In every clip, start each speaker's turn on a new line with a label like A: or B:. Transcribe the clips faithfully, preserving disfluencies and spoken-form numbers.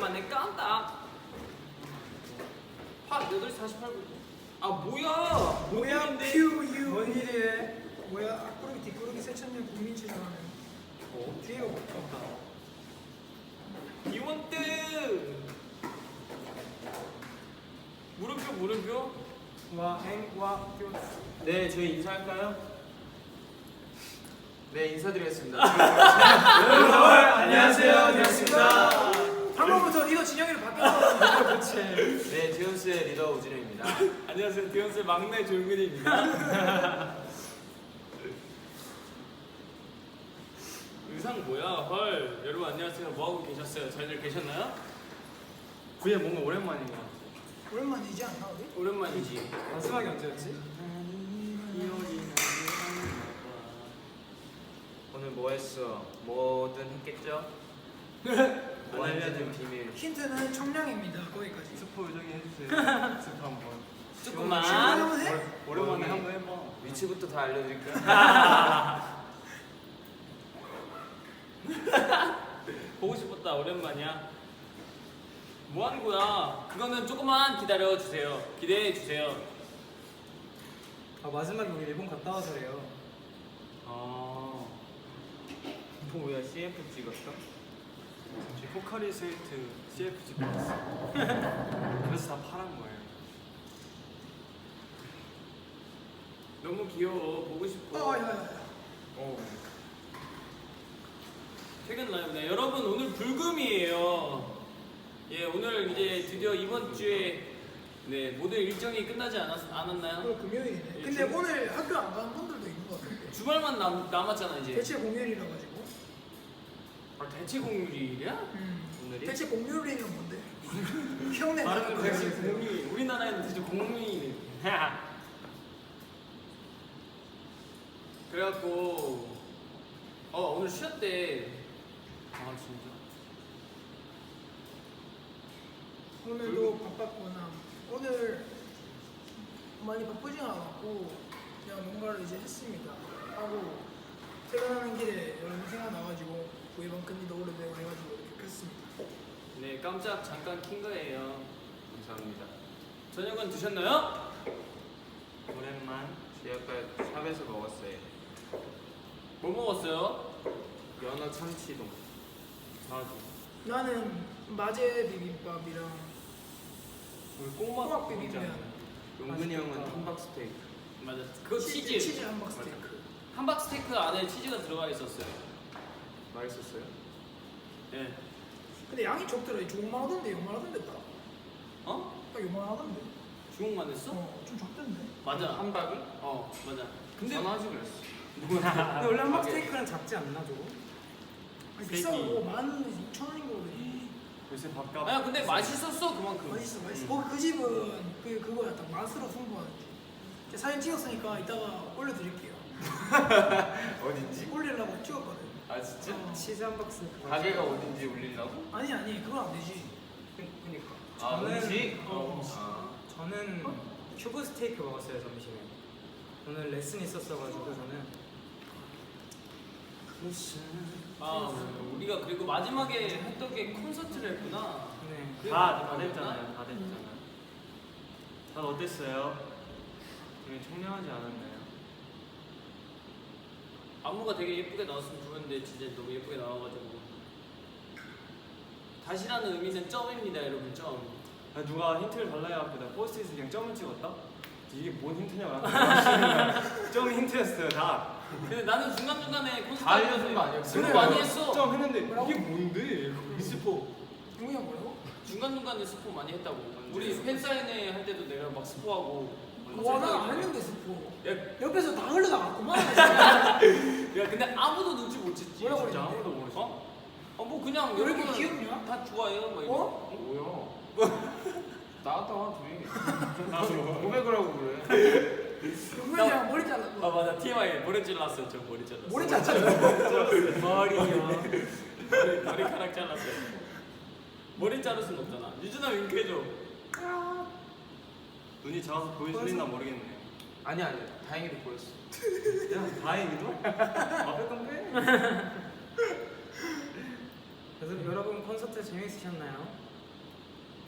A: 오랜만에 깜딱. 파 여덟 시 사십팔 분. 아 뭐야?
B: 뭐야
A: 뭔
B: 퓨유 뭔 일이래? 뭐야 앞구르기 뒷구르기 세천년 국민체조하는
A: 어?
B: 뒤에가 바뀌었다.
A: 이원ตึ 물음표 물음표.
B: 와행와표
C: 네, 저희 인사할까요? 네, 인사드리겠습니다. 안녕하세요, 반갑습니다.
B: 방금부터 리더 진영이로 바뀌었어. 그렇지.
C: 네, 디온스의 리더 우진우입니다.
A: 안녕하세요. 디온스의 막내 조용근입니다. 의상 뭐야? 헐. 여러분 안녕하세요. 뭐 하고 계셨어요? 잘들 계셨나요?
C: 그게 뭔가 오랜만인 것 같아요.
B: 오랜만이지 않나 우리?
A: 오랜만이지.
C: 마지막이 언제였지? 오늘 뭐 했어? 뭐든 했겠죠? 안 알려준 비밀.
B: 힌트는 청량입니다. 거기까지.
C: 스포 요정이 해주세요. 스포 한번.
A: 조금만.
B: 한번 해?
C: 오랜만에 한번 해봐. 위치부터 다 알려드릴까요?
A: 보고 싶었다. 오랜만이야. 뭐 하는 거야? 그거는 조금만 기다려 주세요. 기대해 주세요.
D: 아 마지막에 우리 일본 갔다 와서래요.
A: 아.
C: 뭐야, 씨에프 찍었어?
D: 포카리 스웨이트 씨에프 찍고 왔어. 그래서 다 파란 거예요.
A: 너무 귀여워. 보고 싶어.
B: 어, 야야야.
C: 어.
A: 퇴근 라이브네. 여러분 오늘 불금이에요. 예, 오늘 이제 드디어 이번 주에 네 모든 일정이 끝나지 않았, 않았나요?
B: 오늘 금요일이네.
A: 예,
B: 근데
A: 주-
B: 오늘 학교 안 가는 분들도 있는 것 같은데.
A: 주말만 남, 남았잖아 이제.
B: 대체 공휴일이라 가지고.
A: 아, 대체 공휴일이야?
B: 음.
A: 오늘이?
B: 대체 공휴일이면 뭔데? 형네
A: 다른
B: 나라
A: 건 대체
B: 거지.
A: 공휴일. 우리나라에는 대체 공휴일이. 그래갖고 어 오늘 쉬었대. 아 진짜?
B: 오늘도 바빴구나. 오늘 많이 바쁘진 않았고 그냥 뭔가를 이제 했습니다. 하고 퇴근하는 길에 여러분 생각나가지고 구이번 끈이도 오래되고 해가지고 이렇게 켰습니다.
A: 네 깜짝 잠깐 킨 거예요.
C: 감사합니다.
A: 저녁은 드셨나요?
C: 오랜만. 저희 아까 샵에서 먹었어요.
A: 뭐 먹었어요?
C: 연어 참치동.
A: 아
B: 나는 마제 비빔밥이랑
A: 우리 꼬막
B: 꼬막 비빔면.
C: 용근이 형은
D: 맛있겠다.
C: 함박 스테이크.
A: 맞아. 그거 치즈.
B: 치즈 함박 스테이크.
A: 함박 스테이크 안에 치즈가 들어가 있었어요.
C: 맛있었어요?
A: 네.
B: 근데 양이 적더라. 조금만 하던데 요만하던데 딱.
A: 어?
B: 딱 요만하던데.
A: 중국만 했어?
B: 어, 좀 적던데.
A: 맞아.
C: 함박이?
A: 어 맞아.
C: 근데 전화하지 그랬어.
D: 근데 원래 한박
C: 가게.
D: 스테이크는 작지 않나 저거?
B: 아니,
A: 스테이크.
B: 비싸고 만 이천 원인 거 그래.
D: 요새 밥값.
A: 아야 근데 맛있었어 그만큼.
B: 맛있어 맛있어. 거기 그 집은 그 그거야 딱 맛으로 승부하는 집. 제가 사진 찍었으니까 이따가 올려드릴게요.
C: 어딘지?
B: 올리려고 찍었거든.
C: 아 진짜?
B: 어.
D: 치즈 한박 스테이크.
C: 가게가 어딘지 올리려고?
B: 아니 아니 그건 안 되지.
D: 그니까.
C: 아
D: 저는-
C: 음식?
B: 어.
C: 아.
D: 저는 큐브 스테이크 먹었어요 점심에. 오늘 레슨 있었어가지고 저는.
A: 아 우리가 그리고 마지막에 했던 게 콘서트를 했구나.
D: 네.
A: 그게
D: 다, 다
A: 마지막이었나?
D: 됐잖아요. 다 됐잖아요. 다들 어땠어요? 우리 청량하지 않았나요?
A: 안무가 되게 예쁘게 나왔으면 좋겠는데 진짜 너무 예쁘게 나와가지고. 다시라는 의미는 점입니다 여러분 점.
D: 아, 누가 힌트를 달라 해갖고 나 포스트잇에 그냥 점을 찍었다? 이게 뭔 힌트냐고 나한테 점이 힌트였어요 다.
A: 근데 나는 중간중간에 콘서트
C: 다 알려준 거 아니었어?
A: 스포
C: 그래,
A: 많이 했어.
D: 점 했는데
B: 뭐라고?
D: 이게 뭔데?
A: 스포.
B: 용이 형 뭐라고?
A: 중간중간에 스포 많이 했다고. 우리 팬사인회 할 때도 내가 막 스포하고.
B: 와나안 했는데 스포.
A: 야,
B: 옆에서 다 흘러나갔구만.
A: 야 근데 아무도 눈치 못 챘지.
B: 뭐라고
A: 진짜
B: 그랬는데?
A: 아무도 모르겠어. 어? 어, 뭐 그냥
B: 왜 이렇게
A: 여러분은
B: 귀엽냐?
A: 다 좋아해요. 막
B: 어?
C: 뭐야? 나왔다 둘이. 고백을 하고 그래.
B: 용이 형 머리
A: 아
B: 잘랐고.
A: 맞아 티엠아이 머리 잘랐어요. 저 머리 잘랐어.
B: 머리 잘랐어.
D: 머리요.
A: 머리, 머리카락 잘랐어요. 머리 자를 순 없잖아. 유준아 윙크해줘.
D: 눈이 작아서 보여줄리나 모르겠네.
C: 아니 아니 다행히도 보였어.
D: 야 다행히도? 앞에 건 빼. 그래서 여러분 콘서트 재밌으셨나요?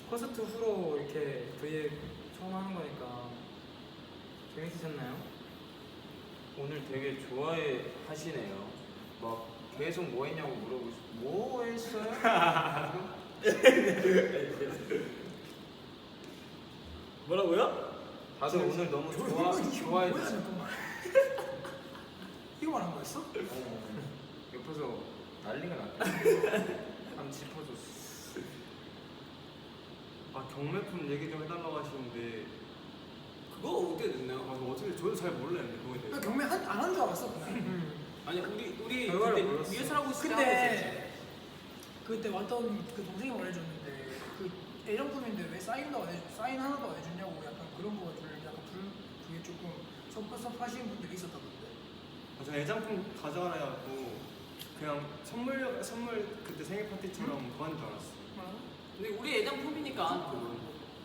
E: 콘서트 후로 이렇게 브이앱 처음 하는 거니까 재밌으셨나요?
C: 오늘 되게 좋아해 하시네요. 막 계속 뭐 했냐고 물어보시. 뭐 했어요?
A: 뭐라고요?
C: 다들 오늘 너무
B: 이거
C: 좋아
B: 이거 이거
C: 좋아해
B: 뭐야
C: 주시.
B: 잠깐만. 이거 말한 거였어?
C: 어, 옆에서 난리가 났다. 한번 짚어줬어.
D: 아 경매품 얘기 좀 해달라고 하시는데
A: 그거 어떻게
D: 아
A: 됐나요?
D: 그거 어떻게 저도 잘 몰라요 근데 그거에
B: 나
D: 대해서.
B: 경매 안 한 줄 알았어 그날.
A: 아니 우리 우리
E: 결과를
A: 그때
E: 몰랐어.
A: 리허설 하고 있을 때 하고
B: 근데 그때 왔던 그 동생이 말해줬는데 그 애정품인데 왜 사인도 안 해줘 사인 하나도 안 해줬냐고 약간 그런 거를 약간 불 그게 조금 섭섭하시는 분들이 있었다던데.
D: 아, 저는 애장품 가져가라 해갖고 그냥 선물 선물 그때 생일 파티처럼 그거 하는 줄 알았어.
A: 근데 우리 애장품이니까 그건.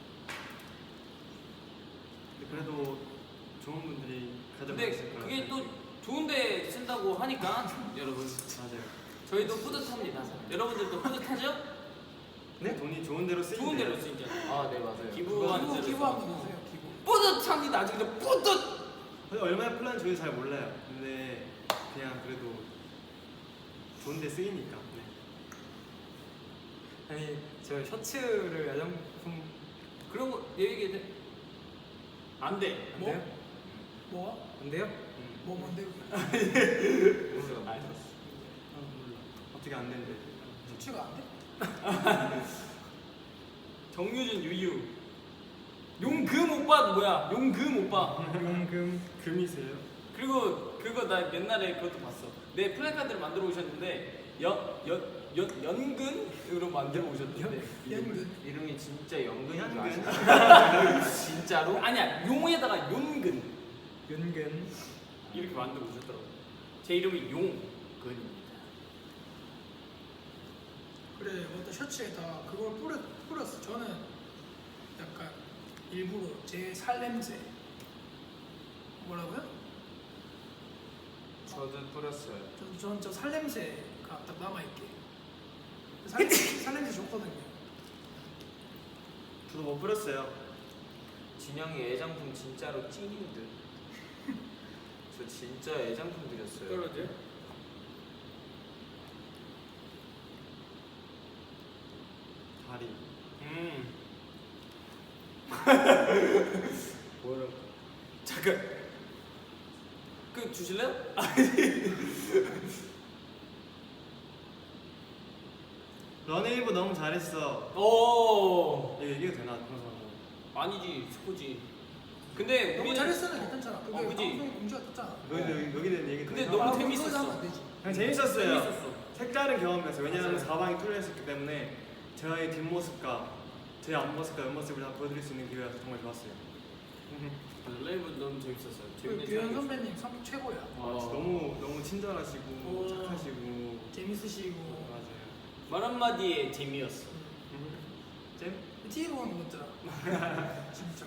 D: 근데 그래도 좋은 분들이
A: 근데
D: 가져가실 거라고.
A: 그게 또 좋은데 쓴다고 하니까 여러분
D: 맞아요.
A: 저희도 뿌듯합니다. 여러분들도 뿌듯하죠?
D: 네? 돈이 좋은 대로 쓰이면
A: 좋은 대로
D: 돼요.
A: 쓰이죠.
C: 아, 네 맞아요.
A: 기부하는
B: 기부
A: 대로
B: 기부
A: 써.
B: 한번 보세요 기부.
A: 뿌듯합니다. 진짜 뿌듯.
D: 근데 얼마나 플랜 저희 잘 몰라요. 근데 그냥 그래도 좋은 데 쓰이니까. 네.
E: 아니 저 셔츠를 야장품
A: 그런 거 얘기해 돼? 안 돼.
E: 안
B: 뭐?
E: 돼요?
B: 뭐가?
E: 안 돼요?
D: 음.
B: 뭐 뭔데?
C: 모르겠어.
A: 알았어.
D: 아 몰라. 어떻게 안 된대.
B: 셔츠가 안 돼?
A: 정유진 유유. 용금 오빠 뭐야? 용금 오빠.
E: 용금
D: 금이세요?
A: 그리고 그거 나 옛날에 그것도 봤어. 내 플래카드를 만들어 오셨는데 연연 연 연근으로 만들어 오셨는데
B: 연근.
C: 이름이 진짜 연근인 줄
D: 연근.
C: 아시나요? 진짜로?
A: 아니야 용에다가 용근
E: 연근
A: 이렇게 만들어 오셨더라고. 제 이름이 용근입니다.
B: 그래 어떤 셔츠에 다 그걸 뿌려 뿌렸어. 저는 약간 일부러 제 살냄새 뭐라고요?
C: 저도 뿌렸어요.
B: 전저 살냄새가 딱 남아 있게. 살냄새 살냄새 좋거든요.
D: 저도 못 뿌렸어요.
C: 진영이 애장품 진짜로 찐인 듯. 저 진짜 애장품 드렸어요.
A: 떨어져?
D: 다리.
A: 음.
C: 뭐라고?
A: 잠깐. 그 주실래요?
D: 런웨이브 너무 잘했어.
A: 오.
D: 이거 얘기가 되나 방송하고?
A: 아니지 스포지. 근데
B: 너무
A: 우리는
B: 잘했어는 괜찮잖아. 그게
A: 어, 그지?
B: 방송에 공지가 떴잖아.
D: 여기 여기 여기 대한 얘기
A: 근데
D: 되나?
A: 너무
B: 아, 그럼
A: 재밌었어.
B: 그거 하면 안 되지.
D: 그냥 재밌었어요.
A: 재밌었어.
D: 색다른 경험이었어요. 왜냐하면
A: 맞아요.
D: 사방이 뚫려 있었기 때문에 저의 뒷모습과 제 앞모습과 옆모습을 다 보여드릴 수 있는 기회라서 정말 좋았어요.
A: 라이브 너무 재밌었어요.
B: 그
A: 재밌는
B: 규현
A: 시간이었어요.
B: 선배님 성격 최고야.
D: 와,
A: 어.
D: 진짜 너무 너무 친절하시고
B: 어.
D: 착하시고
B: 재밌으시고.
D: 맞아요.
A: 말 한마디에 재미였어.
D: 잼?
B: 티비 보는 거 같더라. 진짜.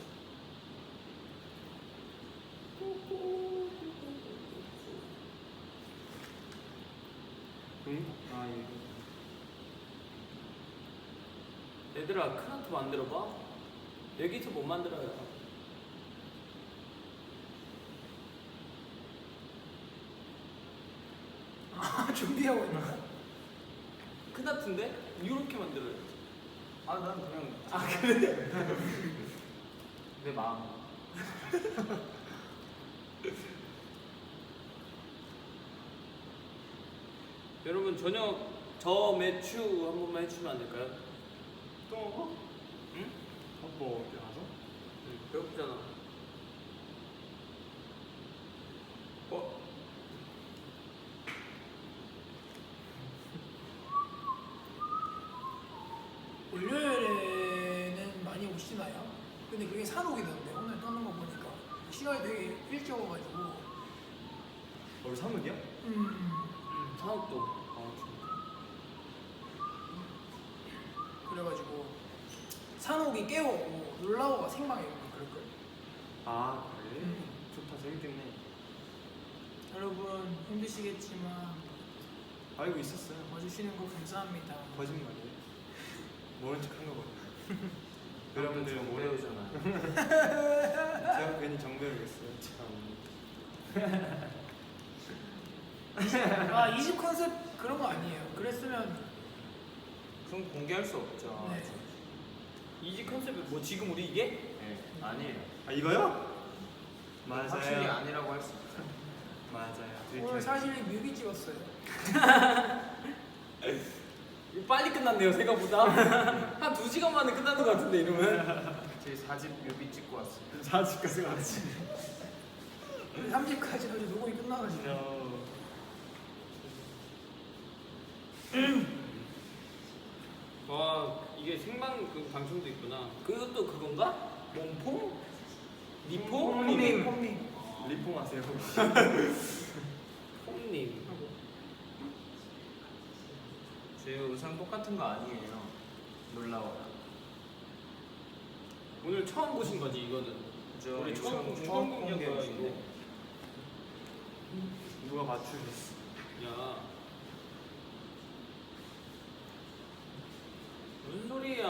D: 응? 아 이거.
A: 얘들아 크란트 만들어봐. 여기서 못 만들어요.
B: 아 준비하고 있나?
A: 크나트인데 이렇게 만들어요.
C: 아, 난 그냥
A: 아 그래?
C: 내 마음.
A: 여러분 저녁 저 매추 한 번만 해주시면 안 될까요?
D: 또 먹어?
A: 응?
D: 뭐 어디 가서?
A: 응, 배고프잖아. 어?
B: 월요일에는 많이 오시나요? 근데 그게 산옥이던데 오늘 떠는 거 보니까 시간이 되게 일찍 와가지고
D: 우리 사무이야?
B: 음
A: 응, 사업도.
D: 아
B: 그래가지고 산옥이 깨워오고 놀라워가 생방에 오고 그럴걸.
D: 아 그래?
B: 음.
D: 좋다 재밌겠네.
B: 여러분 힘드시겠지만
D: 알고 있었어요.
B: 와주시는 거 감사합니다.
D: 거짓말이에요. 모른 척한 거거든요.
C: 여러분들 오래 오잖아요.
D: 제가 괜히 정배우겠어요. 참.
B: 아 이집 컨셉 그런 거 아니에요. 그랬으면
C: 그럼 공개할 수 없죠.
B: 네.
A: 이지 컨셉이 뭐 지금 우리 이게?
C: 네, 아니에요.
D: 아 이거요? 맞아요.
C: 확실히 아니라고 할 수 있어요.
D: 맞아요.
B: 오늘 사실 뮤비 찍었어요.
A: 이거 빨리 끝났네요 생각보다. 한 두 시간 만에 끝나는 것 같은데 이러면.
C: 제 사집 뮤비 찍고 왔어요.
D: 사직까지 왔지.
B: 삼 집까지 어제 녹음이 끝나가지고.
A: 와 이게 생방 그 방송도 있구나. 그것도 그건가? 몸폼? 니폼?
B: 폼님 폼님.
D: 리폼하세요 혹시?
A: 폼님.
C: 제 의상 똑같은 거 아니에요. 놀라워요.
A: 오늘 처음 보신 거지 이거는.
C: 그죠?
A: 우리
C: 이거
A: 처음
C: 처음
A: 처음
C: 공개한
A: 공개한 거야
C: 거인데.
A: 이거.
D: 누가 맞추셨어?
A: 야. 무슨 소리야?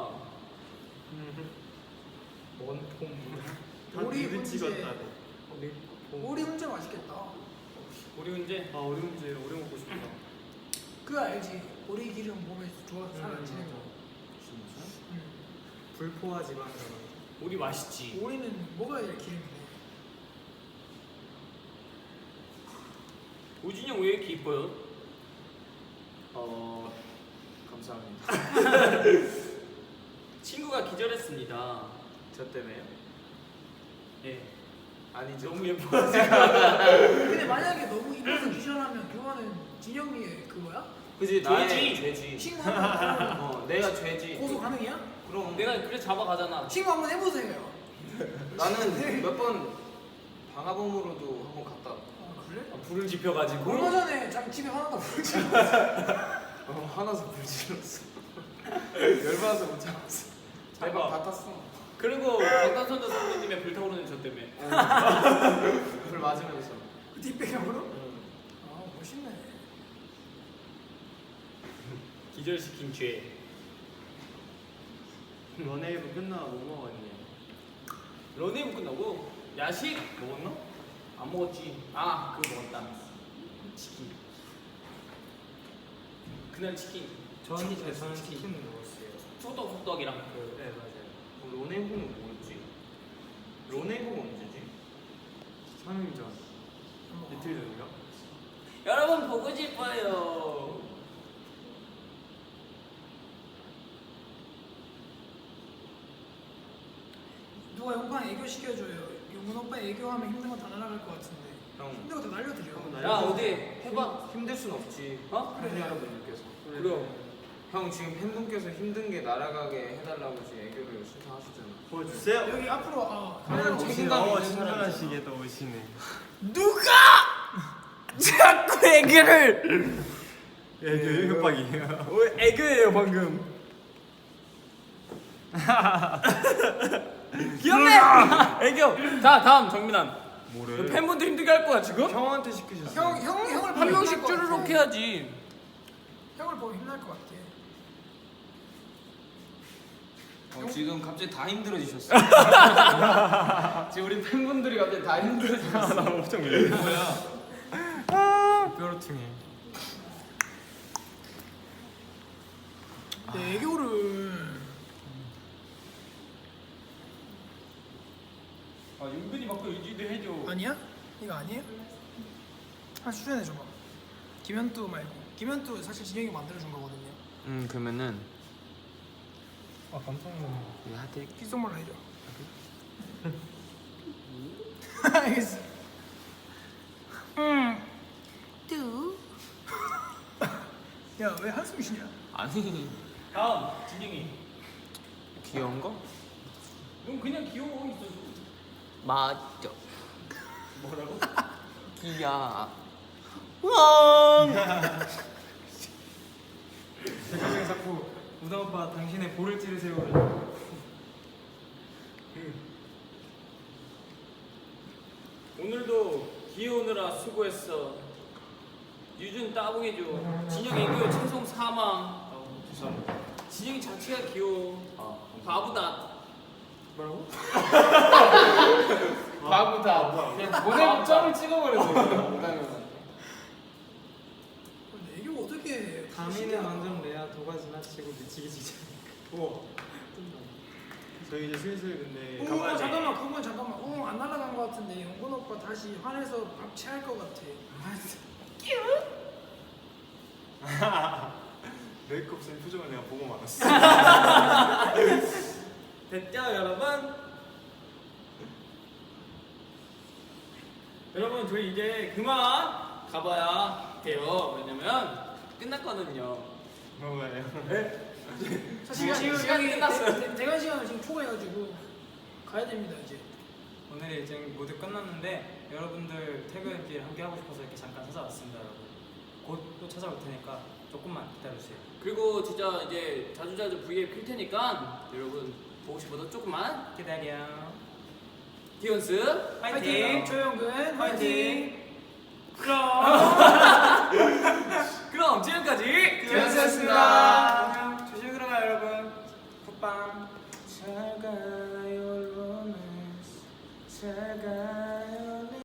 E: 원폼.
D: 다
B: 우리
D: 뮤비
B: 문제.
D: 찍었다고.
B: 오리 훈제 맛있겠다.
A: 우리 문제.
D: 아 우리 문제 오래 먹고 싶다.
B: 그거 알지? 오리 기름 몸에 좋아서 살아지는 거.
C: 진짜?
B: 음.
E: 불포화 지방이라고.
A: 우리 맛있지.
B: 오리는 먹어야 될 기름이네.
A: 오진이 형 왜 이렇게 이뻐요?
C: 어 감사합니다.
A: 친구가 기절했습니다.
C: 저 때문에요?
A: 예.
C: 아니죠.
A: 너무 예뻐.
B: 근데 만약에 너무 이뻐서 기절하면 그거는 진영이의 그거야?
C: 그지
A: 죄지.
C: 나의 죄지.
B: 친구 한번
C: 어 내가 죄지.
B: 고소 가능이야?
C: 그럼
A: 내가 그래 잡아가잖아.
B: 친구 한번 해보세요.
C: 나는 몇 번 방화범으로도 한번 갔다.
B: 아 그래?
A: 아, 불을 지펴가지고.
B: 얼마 전에 자기 집에 화났다 부르지.
C: 어 화나서 불 질렀어. 열받아서 못 참았어. 대박 다 탔어.
A: 그리고 방탄소년단 선배님의 불타오르는 저 때문에.
C: 불 맞으면서.
B: 그 뒷배경으로?
C: 응.
B: 아 멋있네.
A: 기절시킨 죄.
D: 런웨이브 끝나고 뭐 먹었니?
A: 런웨이브 끝나고 야식 먹었나? 안 먹었지. 아 그거 먹었다. 치킨. 그날 치킨.
E: 저는 이제 저는 치킨 먹었어요.
A: 소떡 소떡이랑 그.
E: 네 맞아요.
C: 어, 론웨이브는 뭐였지? 론웨이브가 언제지?
D: 삼 일 전. 이틀 전인가?
A: 여러분 보고 싶어요.
B: 누가 용판 애교 시켜줘요. 용문 오빠 애교하면 힘든 거 다 날아갈 것 같은데.
C: 형
B: 힘든 거 다 날려드려.
A: 야 어디 해봐.
C: 힘들 순 없지.
A: 어?
C: 팬 여러분들께서.
A: 그럼.
C: 형 지금 팬분께서 힘든 게 날아가게 해달라고 지금 애교를 신청하셨잖아.
D: 보여주세요.
B: 여기 앞으로 아
C: 형
B: 카메라
C: 책임감
B: 책임감.
D: 어
C: 있는 사람이잖아.
D: 친절하시게 또 오시네.
A: 누가 자꾸 애교를.
D: 애교 협박이에요.
A: 어, 애교예요 방금. 귀엽네. 애교. 자 다음 정민환.
D: 뭐래?
A: 팬분들 힘들게 할 거야 지금?
D: 형한테 시키셨어.
B: 형, 형, 형을
A: 한
B: 보면
A: 명씩
B: 힘날 것
A: 쭈르륵
B: 같아.
A: 해야지.
B: 형을 보면 힘날 것 같아.
C: 어, 지금 갑자기 다 힘들어지셨어. 지금 우리 팬분들이 갑자기 다 힘들어지셨어.
D: 나 엄청 밀려.
C: 뭐야?
D: 뾰루퉁해.
B: 내 애교를
A: 아 윤근이 막그 의지도 해줘.
B: 아니야? 이거 아니에요? 한 출연해 줘봐. 김현두 말고. 김현두 사실 진영이 만들어준 거거든요.
C: 음 그러면은
D: 아 깜짝 놀랐네.
C: 이거 하트.
B: 귓속말로 해줘. 알겠어. 음. 뚜. 야, 왜 한숨 쉬냐?
C: 아니
A: 다음 진영이.
C: 귀여운 거?
A: 넌 그냥 귀여워 있어.
C: 맞죠.
A: 뭐라고?
C: 귀야.
E: 제가 지금 자꾸 우다 오빠 당신의 볼을 찌르세요.
A: 오늘도 귀여우느라 수고했어. 유준 따봉해줘. 진영 애교 채송 사망.
C: 죄송합니다.
A: 진영이 자체가 귀여워.
C: 아,
A: 바보다.
E: 뭐라고?
F: 바보다. 그냥 보내고 점을 찍어버렸어. 못하면.
B: 근데 이게 어떻게
E: 다미는 완전 레아 도가 지나치고 미치기 직전.
D: 우와. 저희 이제 슬슬 근데
B: 어,
D: 가봐야 돼.
B: 잠깐만 그건 잠깐만 어, 안 날아간 것 같은데 영건 오빠 다시 화내서 박치할 것 같아.
D: 메이크업 쓴 표정을 내가 보고 말았어.
A: 됐죠 여러분? 여러분 저희 이제 그만 가봐야 돼요. 왜냐면 끝났거든요.
D: 뭐가요?
B: 사실
A: 지금
B: 시간이
A: 시간이 끝났어요.
B: 대- 대관 시간을 지금 초과해가지고 가야 됩니다 이제.
E: 오늘의 일정이 모두 끝났는데 여러분들 퇴근길 함께 하고 싶어서 이렇게 잠깐 찾아왔습니다, 여러분. 곧 또 찾아올 테니까 조금만 기다려주세요.
A: 그리고 진짜 이제 자주자주 브이앱 킬 테니까 여러분 보고 싶어도 조금만
E: 기다려.
A: 디온스
B: 화이팅! 조영근 화이팅!
A: 그럼 그럼 지금까지
F: 디온스였습니다.
E: 안녕. 조심히 들어가 여러분. 굿밤. 잘 가요 로맨스. 잘 가요.